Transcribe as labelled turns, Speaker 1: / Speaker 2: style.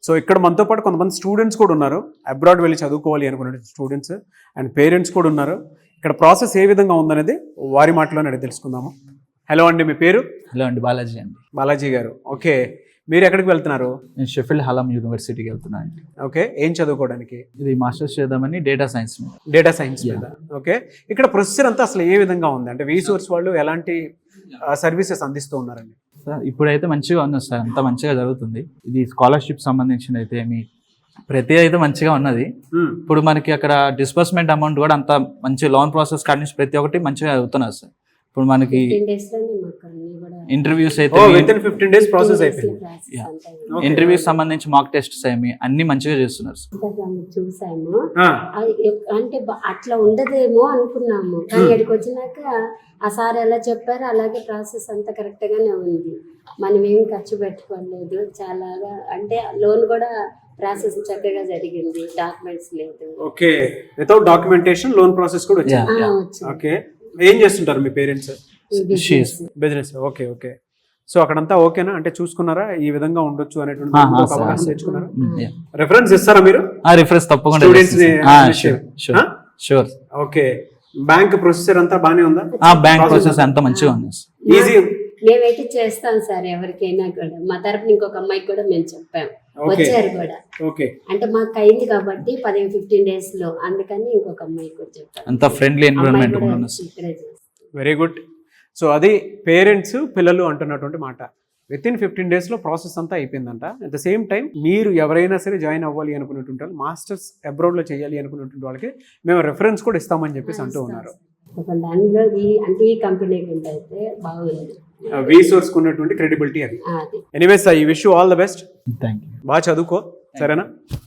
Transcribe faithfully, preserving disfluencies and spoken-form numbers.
Speaker 1: So ఇక్కడ మనతో పాటు కొంతమంది స్టూడెంట్స్ కూడా ఉన్నారు, అబ్రాడ్ వెళ్ళి చదువుకోవాలి అనుకునే స్టూడెంట్స్ అండ్ పేరెంట్స్ కూడా ఉన్నారు. ఇక్కడ ప్రాసెస్ ఏ విధంగా ఉందనేది వారి మాటలోనే అడిగి తెలుసుకుందాము. హలో అండి, మీ పేరు?
Speaker 2: హలో అండి, బాలాజీ అండి.
Speaker 1: బాలాజీ గారు, ఓకే. మీరు ఎక్కడికి వెళ్తున్నారు?
Speaker 2: నేను షెఫీల్డ్ హలం యూనివర్సిటీకి వెళ్తున్నాను అండి.
Speaker 1: ఓకే, ఏం చదువుకోవడానికి?
Speaker 2: ఇది మాస్టర్స్ చేద్దామని డేటా సైన్స్ మీద.
Speaker 1: డేటా సైన్స్ మీద. ఓకే, ఇక్కడ ప్రొసెసర్ అంతా అసలు ఏ విధంగా ఉంది, అంటే వీసోర్స్ వాళ్ళు ఎలాంటి సర్వీసెస్ అందిస్తూ ఉన్నారండి?
Speaker 2: సార్ ఇప్పుడైతే మంచిగా ఉన్నది సార్, అంతా మంచిగా జరుగుతుంది. ఇది స్కాలర్షిప్ సంబంధించిన అయితే మీ ప్రతి అయితే మంచిగా ఉన్నది. ఇప్పుడు మనకి అక్కడ డిస్బర్స్మెంట్ అమౌంట్ కూడా అంత మంచి లోన్ ప్రాసెస్ కాడి నుంచి ప్రతి ఒక్కటి మంచిగా అవుతున్నారు సార్. ఇప్పుడు మనకి ఇంటర్వ్యూస్ అయితే
Speaker 1: ఫిఫ్టీన్ డేస్ ప్రాసెస్ అయిపోయింది.
Speaker 2: ఇంటర్వ్యూస్ సంబంధించి మాక్ టెస్ట్స్ ఏమి అన్ని మంచిగా చేస్తున్నారు సార్.
Speaker 3: చూసాము, అంటే అట్లా ఉండదేమో అనుకున్నాము, కానీ ఇక్కడికి వచ్చినాక ఆ సార్ ఎలా చెప్పారో అలాగే ప్రాసెస్ అంతా కరెక్ట్ గానే ఉంది. మనం ఏం ఖర్చు పెట్టుకోలేదు, చాలా అంటే లోన్ కూడా ప్రాసెస్ చక్కగా జరిగింది, డాక్యుమెంట్స్ లేదు.
Speaker 1: Okay, without documentation loan process కూడా వచ్చింది. ఓకే, ఏం చేస్తుంటారు మీ parents? Business. Okay okay. So అక్కడంతా ఓకేనా, అంటే చూసుకున్నారా ఈ విధంగా ఉండొచ్చు అనేటువంటి అవగాహన తెచ్చుకున్నారా? రిఫరెన్స్ ఇస్తారా మీరు?
Speaker 2: రిఫరెన్స్ తప్పకుండా. షూర్.
Speaker 1: ఓకే, బ్యాంక్ ప్రొసెసర్ అంతా బానే ఉందా?
Speaker 2: బ్యాంక్ ప్రొసెస్ అంతా మంచిగా ఉంది.
Speaker 1: ఈజీ.
Speaker 3: మేమైతే చేస్తాం సార్, ఎవరికైనా కూడా మా తరపున ఇంకొక అమ్మాయికి కూడా మేము చెప్పాం, వచ్చారు కూడా.
Speaker 1: ఓకే,
Speaker 3: అంటే మాకు అయింది కాబట్టి పదిహేను ఫిఫ్టీన్ డేస్ లో, అందుకని ఇంకొక అమ్మాయికి కూడా చెప్పాం.
Speaker 2: అంత friendly environment.
Speaker 1: Very good. So అది పేరెంట్స్ పిల్లలు అంటున్నటువంటి మాట. విత్ ఇన్ ఫిఫ్టీన్ డేస్లో ప్రాసెస్ అంతా అయిపోయిందంట. అట్ ద సేమ్ టైం మీరు ఎవరైనా సరే జాయిన్ అవ్వాలి అనుకున్నటువంటి వాళ్ళు, మాస్టర్స్ అబ్రాడ్లో చేయాలి అనుకున్నటువంటి వాళ్ళకి మేము రెఫరెన్స్ కూడా ఇస్తామని చెప్పేసి అంటూ ఉన్నారు.
Speaker 3: దానిలో ఈ అంటే ఈ కంపెనీ అయితే బాగుంది,
Speaker 1: వీసోర్స్ ఉన్నటువంటి క్రెడిబిలిటీ అది. Anyways, I wish you all the best.
Speaker 2: Thank you.
Speaker 1: బాగా చదువుకో, సరేనా?